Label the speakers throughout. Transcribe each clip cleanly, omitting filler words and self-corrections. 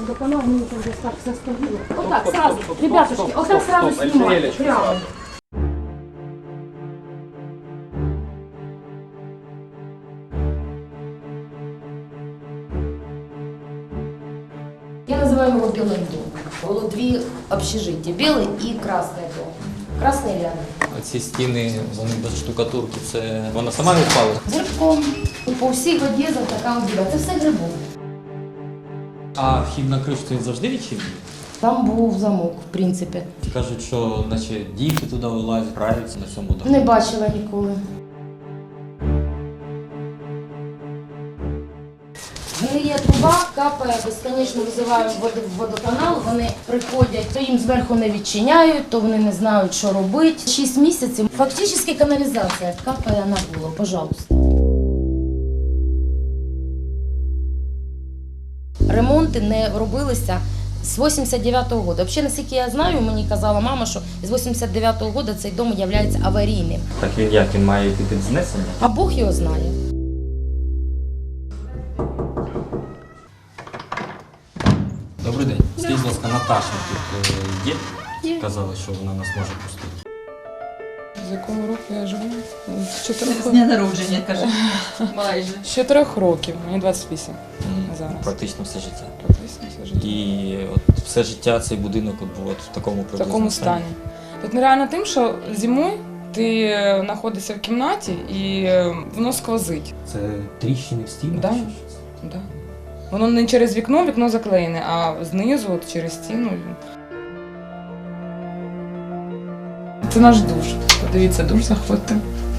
Speaker 1: водоканал, мені це вже так все стогіло. Отак, сразу, ребятушки, отак сразу знімати, прямо. Я называю его белым домом. Было две общежития, белый и красный дом. Красный рядом.
Speaker 2: Ці стіни, вони без штукатурки, це вона сама відпала?
Speaker 1: Грибком. По всій воді така діра. Це все грибок.
Speaker 2: А вхід на кришу він завжди відчинений?
Speaker 1: Там був замок, в принципі.
Speaker 2: Кажуть, що наче діти туди вилазять, граються на цьому домі.
Speaker 1: Не бачила ніколи. Гниє труба, капає, безконечно визивають водоканал, вони приходять, то їм зверху не відчиняють, то вони не знають, що робити. 6 місяців. Фактично каналізація капає на було, пожалуйста. Ремонти не робилися з 89-го року. Взагалі, наскільки я знаю, мені казала мама, що з 89-го року цей дом є аварійним.
Speaker 2: Так він як? Він має йти під знесення?
Speaker 1: А Бог його знає.
Speaker 2: Добрий день. Скажіть, будь ласка, Наташа тут є? Є. Казали, що вона нас може пустити.
Speaker 3: З якого року я живу? З 4
Speaker 4: З дня народження, каже. Майже.
Speaker 3: З 4 років, мені 28 зараз.
Speaker 2: Практично все життя.
Speaker 3: Практично все життя.
Speaker 2: І от все життя цей будинок от був от в такому
Speaker 3: В
Speaker 2: приблизно
Speaker 3: такому стані. Тут нереально тим, що зимою ти знаходишся в кімнаті і воно сквозить.
Speaker 2: Це тріщини в стінах?
Speaker 3: Да. Да. Воно не через вікно заклеєне, а знизу, от через стіну. Це наш душ. Подивіться, душ, заходьте.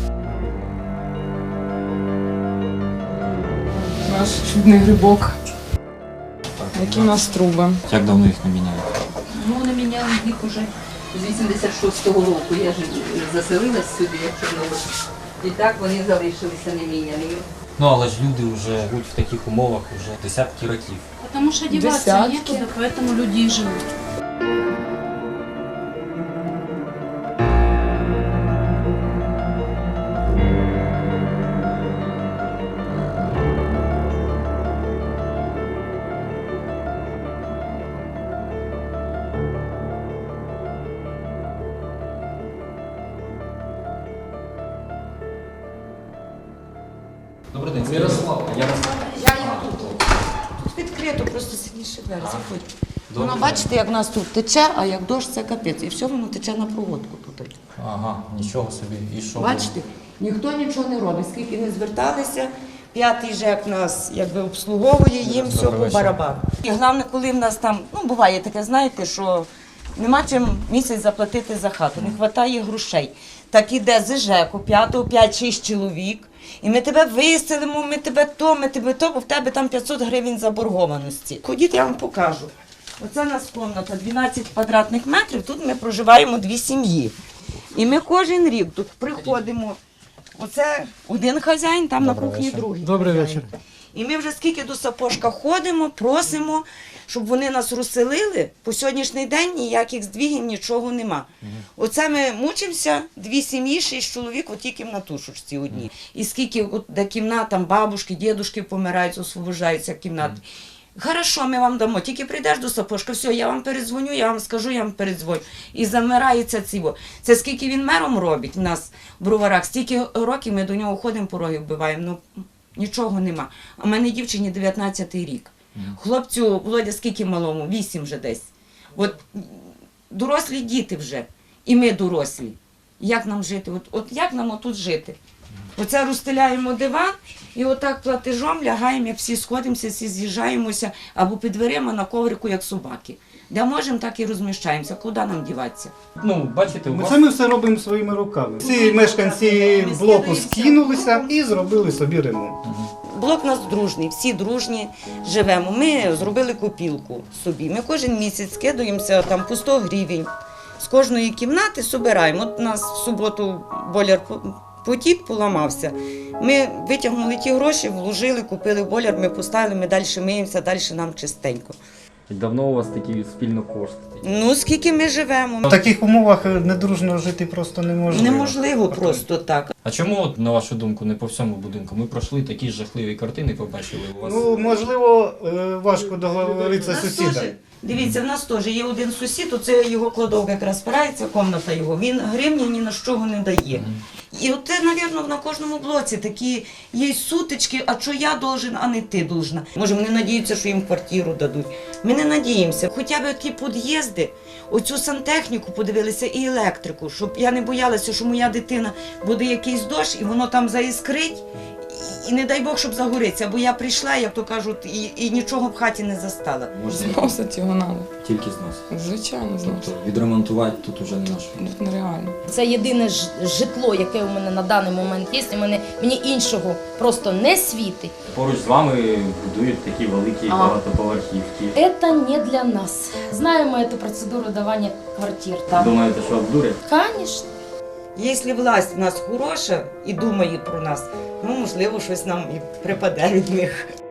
Speaker 3: Наш чудний грибок. Які у нас труби.
Speaker 2: Як давно їх не міняють?
Speaker 4: Ну, вони міняли їх уже з 86-го року. Я ж заселилась сюди, як Чорнобиль. І так вони залишилися неміняними.
Speaker 2: Ну, але ж люди вже живуть в таких умовах вже десятки років.
Speaker 5: Потому что деваться некуда, поэтому люди и живут.
Speaker 2: Добрий день, Ярослав.
Speaker 6: Я тут. Тут відкрито, просто сильніше двері, заходь. Воно, бачите, як в нас тут тече, а як дощ, це капець. І все воно тече на проводку тут.
Speaker 2: Ага, нічого собі. І що?
Speaker 6: Бачите, ніхто нічого не робить. Скільки не зверталися, 5-й ЖЕК нас якби обслуговує, їм все по барабану. І головне, коли в нас там, буває таке, знаєте, що нема чим місяць заплатити за хату, не вистачає грошей. Так іде з ЖЕКу, 5-6 чоловік, і ми тебе виселимо, ми тебе то, бо в тебе там 500 гривень заборгованості. Ходіть, я вам покажу. Оце у нас кімната, 12 квадратних метрів, тут ми проживаємо 2 сім'ї. І ми кожен рік тут приходимо. Оце один хазяїн, там на кухні другий. Добрий вечір. І ми вже скільки до сапожка ходимо, просимо, щоб вони нас розселили. По сьогоднішній день ніяких здвігів, нічого нема. Оце ми мучимося, 2 сім'ї, 6 чоловік, от тільки в натушечці одні. І скільки, от, де кімната, там бабушки, дідушки помирають, освобождаються кімнати. Хорошо, ми вам дамо, тільки прийдеш до сапожка, все, я вам передзвоню, я вам скажу, я вам передзвоню. І замирається ціво. Це скільки він мером робить в нас в Броварах, стільки років ми до нього ходимо, пороги вбиваємо, нічого нема. А в мене дівчині 19-й рік. Хлопцю, Володя, скільки малому? 8 вже десь. От дорослі діти вже, і ми дорослі. Як нам жити? От як нам отут жити? Оце розстеляємо диван і отак платежом лягаємо, як всі сходимося, всі з'їжджаємося, або під дверима на коврику, як собаки. Де можемо, так і розміщаємося. Куди нам діватися?
Speaker 2: Бачите,
Speaker 7: Це ми все робимо своїми руками. Всі мешканці блоку скинулися і зробили собі ремонт.
Speaker 6: Блок у нас дружний, всі дружні живемо. Ми зробили копілку собі. Ми кожен місяць скидуємося там по 100 гривень. З кожної кімнати збираємо. От у нас в суботу бойлер потік, поламався. Ми витягнули ті гроші, вложили, купили бойлер, ми поставили, ми далі миємося, далі нам чистенько.
Speaker 2: І давно у вас такі спільно кошти?
Speaker 6: Ну, скільки ми живемо.
Speaker 7: В таких умовах недружно жити просто неможливо.
Speaker 6: Неможливо просто так.
Speaker 2: А чому, от, на вашу думку, не по всьому будинку? Ми пройшли такі жахливі картини, побачили у вас.
Speaker 7: Ну, можливо, важко договоритися з
Speaker 6: Нас
Speaker 7: сусідом.
Speaker 6: теж- Дивіться, в нас теж є один сусід, оце його кладовка якраз спирається, комната його, він гривні ні на що не дає. І от це, мабуть, на кожному блоці такі є сутички, а що я должен, а не ти должна. Може, вони надіються, що їм квартиру дадуть. Ми не надіємося. Хоча б ті під'їзди, оцю сантехніку подивилися і електрику, щоб я не боялася, що моя дитина буде якийсь дощ, і воно там заіскрить, і не дай Бог, щоб загориться. Бо я прийшла, як то кажуть, і нічого в хаті не застала.
Speaker 3: Зносити його треба.
Speaker 2: Тільки знос.
Speaker 3: Звичайно, зносити.
Speaker 2: Відремонтувати тут уже не наше.
Speaker 3: Тут нереально.
Speaker 1: Це єдине житло, яке у мене на даний момент є, і мені іншого просто не світить.
Speaker 2: Поруч з вами будують такі великі багатоповерхівки.
Speaker 1: Це не для нас. Знаємо цю процедуру давання квартир. Там.
Speaker 2: Думаєте, що обдурять?
Speaker 1: Звісно.
Speaker 6: Якщо власть в нас хороша і думає про нас, ну, можливо, щось нам і припаде від них.